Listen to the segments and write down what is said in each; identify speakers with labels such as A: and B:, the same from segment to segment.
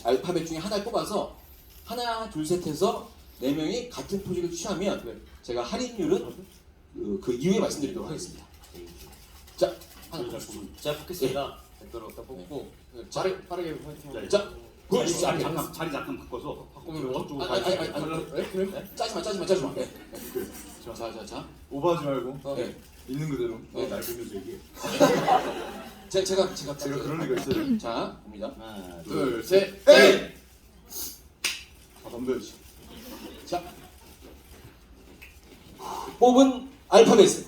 A: 알파벳 중에 하나를 뽑아서 하나, 둘, 셋 해서 4명이 같은 포즈를 취하면 제가 할인율은 그 이후에 말씀드리도록 하겠습니다. 자, 하나 뽑으시죠.
B: 제가 뽑겠습니다. 백도로 딱 뽑고
C: 빠르게 화이팅.
A: 자, 보여주시죠.
D: 자리 잠깐 바꿔서
C: 바꾸면 저쪽으로
A: 짜지마. 네. 자.
C: 오버하지 말고
A: 네.
C: 있는 그대로.
D: 날 보면서 얘기해.
A: 제가
C: 그럴 리가 있어요.
A: 자, 봅니다.
D: 하나,
C: 둘, 셋,
A: 넷!
C: 아, 덤벼야지.
A: 자, 뽑은 알파벳은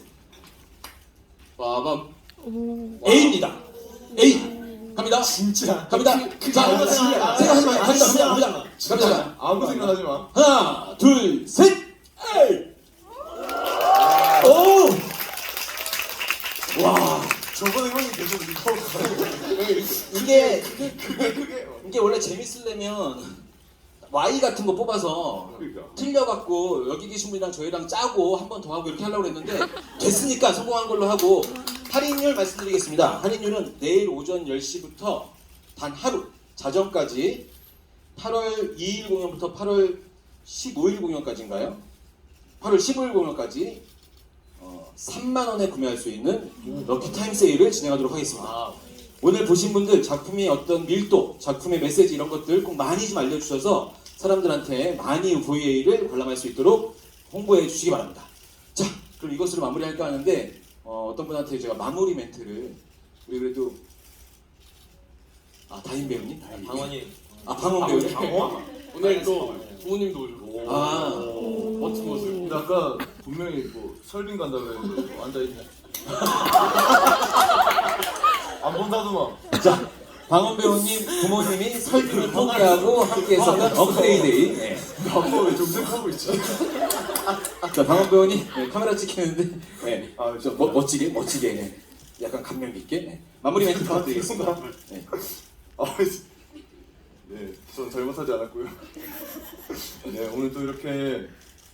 A: 빠밤 A입니다. A 갑니다.
C: 진짜.
A: 갑니다. 자, 생각하지 마요. 갑니다.
C: 아무 생각하지 마.
A: 하나, 둘, 셋. 에이. 오. 와.
C: 저번에 형이 계속 이거
A: 이게 원래 재밌으려면 Y 같은 거 뽑아서
D: 그러니까.
A: 틀려갖고 여기 계신 분이랑 저희랑 짜고 한 번 더 하고 이렇게 하려고 했는데 됐으니까 성공한 걸로 하고 할인율 말씀드리겠습니다. 할인율은 내일 오전 10시부터 단 하루 자정까지 8월 2일 공연부터 8월 15일 공연까지인가요? 8월 15일 공연까지 3만 원에 구매할 수 있는 럭키 타임 세일을 진행하도록 하겠습니다. 오늘 보신 분들 작품의 어떤 밀도, 작품의 메시지 이런 것들 꼭 많이 좀 알려주셔서 사람들한테 많이 VA를 관람할 수 있도록 홍보해 주시기 바랍니다. 자, 그럼 이것으로 마무리할까 하는데 어떤 분한테 제가 마무리 멘트를 우리 그래도 다인 배우님?
B: 방원이
A: 방원 배우님?
C: 오늘 또 부모님도 오시고.
A: 멋진 모습.
C: 근데 아까 분명히 뭐 설빙 간다고 했는데 뭐 앉아있네. 안 본다더만.
A: 자, 방원 배우님 부모님이 설득을 포기하고 함께했었던 업그레이데이. 네.
C: 아빠 왜 정색하고 있지?
A: 자, 방원 배우님 카메라 찍히는데
C: 저
A: 멋지게 네. 약간 감명 깊게 마무리 멘트 부탁드리겠습니다. 네.
C: 네, 전 잘못하지 않았고요. 네, 오늘 또 이렇게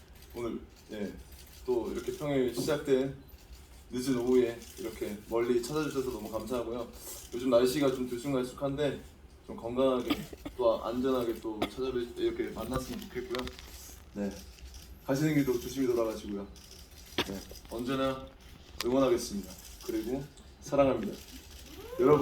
C: 또 이렇게 평일 시작된 늦은 오후에 이렇게 멀리 찾아주셔서 너무 감사하고요. 요즘 날씨가 좀 들쑥날쑥한데 좀 건강하게 또 안전하게 또 이렇게 만났으면 좋겠고요. 네, 가시는 길도 조심히 돌아가시고요. 네, 언제나 응원하겠습니다. 그리고 사랑합니다. 여러분.